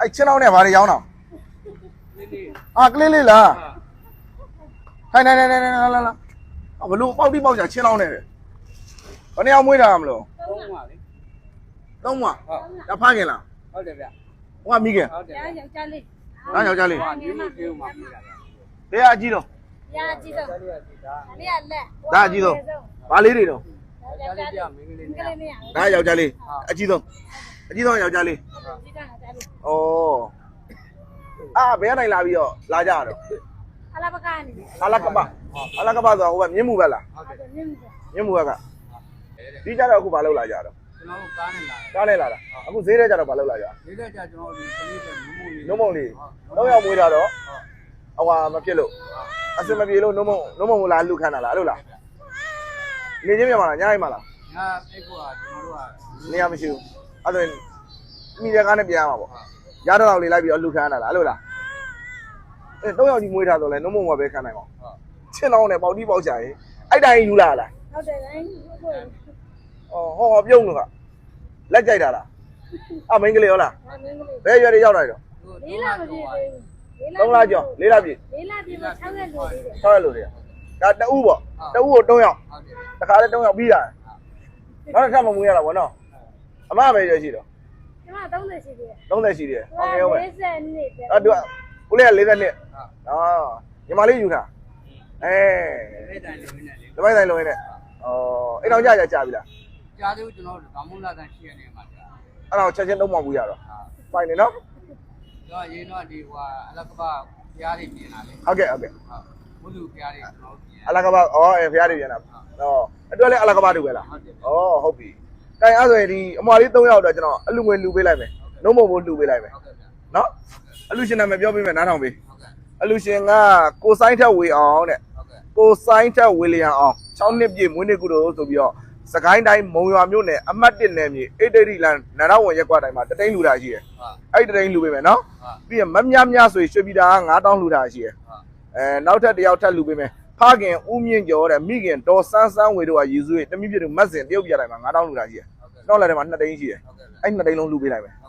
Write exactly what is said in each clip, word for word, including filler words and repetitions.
အဲ့ချင်းအောင်နဲ့ဘာတွေရောင်းတော့အာကလေးလေးလားဟိုင်နေနေနေလာလာလာဘလို့ပေါက်တိပေါက်ချချင်းအောင်နဲ့ဘယ်နှစ်ယောက်မွေးတာမလို့သုံးပါလေသုံးပါဟုတ်ဒါဖားခင်လားဟုတ်တယ်ဗျဟိုကမိခင်ဟုတ်တယ်ယောက်ျားလေးဟာယောက်ျားလေးဟာဒီလိုပြေးမှာပြေးတာဗျတရားအကြီးတော့တရားအကြီးတော့ဒါလေးကလက်ဒါအကြီးတော့ဘာလေးတွေတော့ယောက်ျားလေးပြမင်းကလေးနဲ့ဒါယောက်ျားလေးအကြီးဆုံးအကြီးဆုံးယောက်ျားလေးဩအာဘယ်နိုင်လာပြီးတော့လာကြတော့အလာပကနေအလာကပအလာကပဆိုဟိုကမြင်းမှုပဲလားဟုတ်တယ်မြင်းမှုမြင်းမှုကဒီကြတော့အခုဘာလုပ်လာကြတော့ကျွန်တော်တို့ကားနဲ့လာကားနဲ့လာတာအခုဈေးထဲကြတော့ဘာလုပ်လာကြဈေးထဲကြကျွန်တော်ဒီကလေးတွေနုံမုံလေးနုံမုံလေးတော့ရောက်မွေးတာတော့ဟိုဟာမဖြစ်လို့အစမပြေလို့နုံမုံနုံမုံလာလူခန်းတာလားအဲ့လိုလားနေချင်းပြန်မလားညအိမ်မလားညအိတ်ကကျွန်တော်တို့ကနေရာမရှိဘူးအဲ့ဒါမိတဲ့ကားနဲ့ပြန်ရမှာပေါ့ရတော့လေးလိုက်ပြီးတော့လူခန်းတာလားအဲ့လိုလားအဲတော့ရောက်ကြီးမွေးထားတော့လဲနုံမုံကပဲခန်းနိုင်ပါချင်းလောင်းနဲ့ပေါက်တီးပေါက်ချရင်အဲ့တိုင်းယူလာလားဟုတ်တယ်တိုင်းအော်ဟောဟောပြုံးလို့ကလက်ကြိုက်တာလားအမင်းကလေးရောလားမင်းကလေးဘယ်ရွယ်တွေရောက်လာတော့လေးလမပြည့်သေးဘူးသုံးလကျော်လေးလပြည့်လေးလပြည့်မှာ၆ရက်လို့သေးတယ်၆ရက်လို့သေးဒါတအူးပေါ့တအူးကို၃ယောက်တခါလဲ၃ယောက်ပြီးတာနောက်တစ်ခါမမွေးရတာပေါ့နော်အမပဲရွယ်ရှိတော့ကျမ၃၀ရှိသေးတယ်၃၀ရှိသေးတယ်ဟုတ်ကဲ့ဟုတ်ပဲ၄၀နှစ်အဲ့တူဦးလေးက၄၀နှစ်အော်ညီမလေးယူထားအဲတပိုက်တိုင်းလုံးနဲ့အော်အဲ့တော့ကြာကြာကြာပြီလားကြာသေးဘူးကျွန်တော်ဗမုန်းလာတန်ရှိရနေမှာကြာအဲ့တော့ချက်ချင်းတုံးမဘူးရတော့ပိုင်နေနော်တော့ရင်းတော့ဒီဟိုအလကပဖျားတွေပြင်လာလေဟုတ်ကဲ့ဟုတ်ကဲ့ဘုလူဖျားတွေကျွန်တော်ပြင်အလကပအော်အဲဖျားတွေပြင်လာတော့အတွက်လည်းအလကပတူပဲလားဟုတ်တယ်ဩဟုတ်ပြီတိုင်အဲ့ဆိုရင်ဒီအမွာလေး၃ယောက်တော့ကျွန်တော်အလူငွေလူပေးလိုက်မယ်နှုံးမဖို့လူပေးလိုက်မယ်နော်အလူရှင်နာမည်ပြောပေးမယ်နားထောင်ပေးအလူရှင်ကကိုဆိုင်ထက်ဝေအောင်တဲ့ကိုဆိုင်ထက်ဝီလီယံအောင်၆နှစ်ပြည့်မွေးနေ့ကုသိုလ်ဆိုပြီးတော့စကိုင်းတိုင်းမုံရွာမြို့နယ်အမှတ်၁နယ်မြေအေဒရီလန်နန္ဒဝန်ရက်ကွာတိုင်းမှာတတိန်လူတာရှိတယ်အဲ့တတိန်လူပေးမယ်နော်ပြီးရင်မမြမြဆိုရွှေပြည်တာကငါးတောင်းလူတာရှိတယ်အဲနောက်ထပ်တယောက်ထပ်လူပေးမယ်ဖခင်ဦးမြင့်ကျော်တဲ့မိခင်ဒေါ်စန်းစန်းဝေတို့ကရည်စုတမိပြတို့မတ်စင်တရုတ်ပြည်တိုင်းမှာငါးတောင်းလူတာရှိတယ်နောက်လည်းထဲမှာနှစ်တိန်ရှိတယ်အဲ့နှစ်တိန်လုံးလူပေးလိုက်မယ်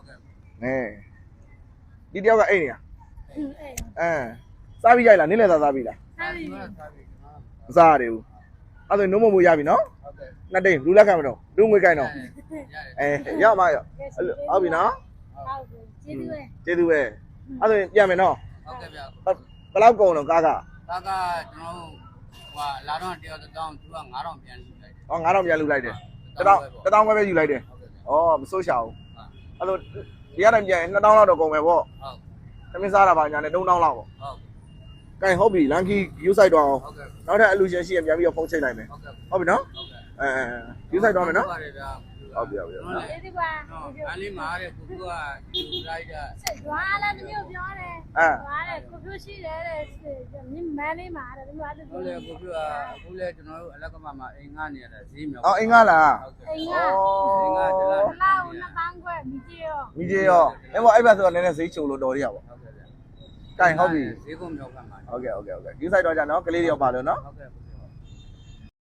အဲဒီတယောက်ကအိမ်နေရအဲစားပြီးရိုက်လားနင်းလဲစားစားပြီးလားစားပြီးမစားရဘူးအဲ့ဒါနှုံးမမိုးရပြီနော်နှစ်တိန်လူလက်ခံမတော့လူငွေကိုင်းတော့အဲရမရဟုတ်ပြီနော်ကျေးဇူးပဲကျေးဇူးပဲအဲ့ဒါပြန်မယ်နော်ဟုတ်ကဲ့ဗျဘယ်လောက်ကုန်တော့ကားကကားကကျွန်တော်ဟိုလာတော့တယောက်တစ်တောင်းသူကငါးတောင်ပြန်လူလိုက်တယ်ဟောငါးတောင်ပြန်လူလိုက်တယ်တစ်တောင်းတစ်တောင်းပဲယူလိုက်တယ်ဩမစိုးရှာဘူးအဲ့လိုဒီရတိုင်းပြန်နှစ်တောင်းလောက်တော့ကုန်မယ်ပေါ့ဟုတ်သမင်းစားတာပါညာနဲ့၃တောင်းလောက်ပေါ့ဟုတ်ကဲဟုတ်ပြီလန်ကီယူဆိုင်တော့အောင်နောက်ထပ်အလူရှင်ရှိရင်ပြန်ပြီးတော့ဖုန်းချိန်လိုက်မယ်ဟုတ်ပြီနော်အဲယူဆိုင်တော့မယ်နော်ဟုတ်ပြီဟုတ်ပြီဟုတ်ပြီဒီကွာအလေးမားတဲ့ကိုကယူလိုက်တာရွာလာတမျိုးပြောတယ်အဲရွာတဲ့ကိုပြရှိတယ်တဲ့မြင်းမန်းလေးမားတယ်ဒီမှာဟုတ်လေကိုပြအခုလဲကျွန်တော်တို့အလက်ကမမှာအိမ်ငှားနေရတာဈေးမြောက်အော်အိမ်ငှားလားအိမ်ငှားအိမ်ငှားတလားလောက်နှစ်ပန်းခွဲမိကြီးရောမိကြီးရောအဲ့ဘောအဲ့ဘက်ဆိုတော့နည်းနည်းဈေးချုံလို့တော်ရရပါဟုတ်ကဲ့ဗျတိုင်ဟုတ်ပြီဈေးကုန်းမြောက်ကမှာဟုတ်ကဲ့ဟုတ်ကဲ့ဟုတ်ကဲ့ယူဆိုင်တော့ကြနော်ကလေးတွေရောပါလို့နော်ဟုတ်ကဲ့